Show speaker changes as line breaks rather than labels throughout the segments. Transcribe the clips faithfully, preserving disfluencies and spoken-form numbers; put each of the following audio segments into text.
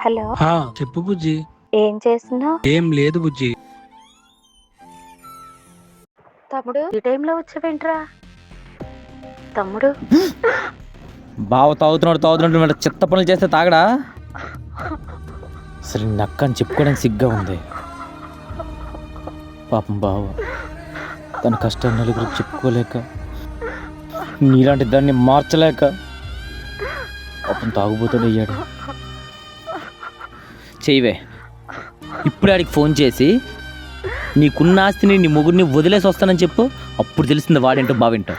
Hello.
ఆ చెప్పు బుజ్జి.
ఏం చేస్తున్నావు?
ఏం లేదు బుజ్జి.
తమ్ముడు ఈ టైంలో వచ్చావేంట్రా? తమ్ముడు
బావ తాగుతున్నాడు తాగుతున్నాడు మరి చెత్త పనులు చేస్తే తాగడా? సరే నక్క అని చెప్పుకోవడానికి సిగ్గా ఉంది. పాపం బావ తన కష్టాన్ని నలుగురికి చెప్పుకోలేక, నీలాంటి దాన్ని మార్చలేక పాపం తాగుబోతాడు అయ్యాడు. చెయ్యవే ఇప్పుడే ఆడికి ఫోన్ చేసి నీకున్న ఆస్తిని నీ మొగుడిని వదిలేసి వస్తానని చెప్పు. అప్పుడు తెలిసింది వాడేంటో బావేంటో.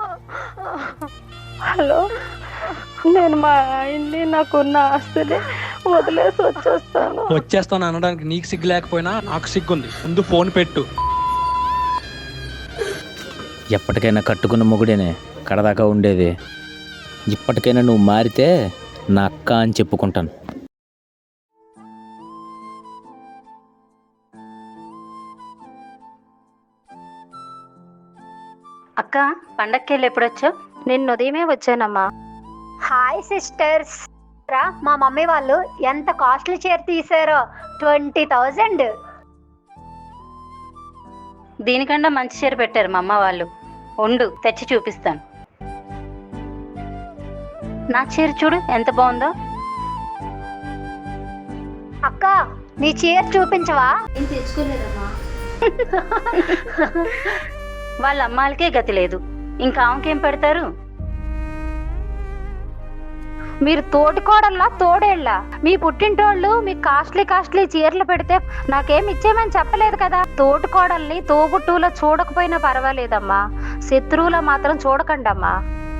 హలో, నేను మా ఆయన్ని నాకున్న ఆస్తిని వదిలేసి వచ్చేస్తాను.
వచ్చేస్తాను అనడానికి నీకు సిగ్గు లేకపోయినా నాకు సిగ్గుంది. ముందు ఫోన్ పెట్టు.
ఎప్పటికైనా కట్టుకున్న మొగుడేనే కడదాకా ఉండేది. ఇప్పటికైనా నువ్వు మారితే నా అక్క అని చెప్పుకుంటాను.
అక్క, పండక్కి ఎప్పుడొచ్చావు? నిన్న ఉదయమే వచ్చానమ్మా.
Hi sisters. రా, మా మమ్మీ వాళ్ళు ఎంత కాస్ట్లీ చీర తీసారో. Twenty thousand.
దీనికన్నా మంచి చీర పెట్టారు మా అమ్మ వాళ్ళు. ఉండు తెచ్చి చూపిస్తాను. నా చీర చూడు ఎంత బాగుందో.
అక్క, నీ చీర చూపించవా?
ఏం తెచ్చుకోలేదమ్మా. వాళ్ళ అమ్మాలకే గతి లేదు, ఇంకా ఆమెకేం పెడతారు?
మీరు తోటికోడల్లా తోడేళ్ళ? మీ పుట్టింటోళ్ళు మీకు కాస్ట్లీ కాస్ట్లీ చీరలు పెడితే నాకేం ఇచ్చేమని చెప్పలేదు కదా. తోటికోడల్ని తోబుట్టువులో చూడకపోయినా పర్వాలేదమ్మా, శత్రువులో మాత్రం చూడకండమ్మా.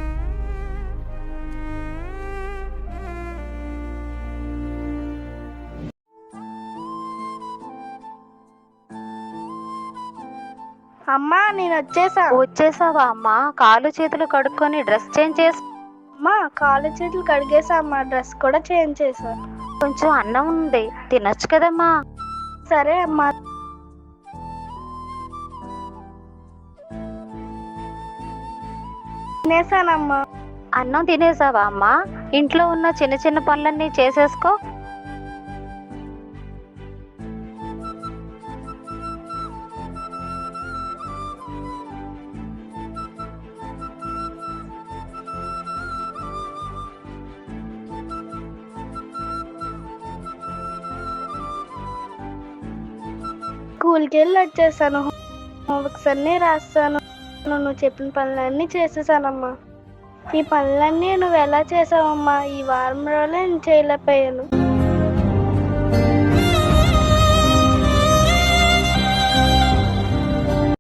అమ్మా నేను వచ్చేసా.
వచ్చేసావా అమ్మా? కాలు చేతులు కడుక్కొని డ్రెస్ చేంజ్ చేసి.
అమ్మా కాళ్ళు చేతులు కడిగేసా అమ్మా, డ్రెస్ కూడా చేంజ్ చేసా.
కొంచెం అన్నం ఉంది, తినొచ్చు కదమ్మా.
సరే అమ్మా. తినేసానమ్మా.
అన్నం తినేసావా అమ్మా? ఇంట్లో ఉన్న చిన్న చిన్న పనులన్నీ చేసేసుకో.
స్కూల్కి వెళ్ళి వచ్చేసాను. హోంవర్క్స్ అన్నీ రాస్తాను. నువ్వు చెప్పిన పనులన్నీ చేసేసానమ్మా. ఈ పనులన్నీ నువ్వు ఎలా చేసావమ్మా? ఈ వారం రోజులే నేను చేయలేకపోయాను.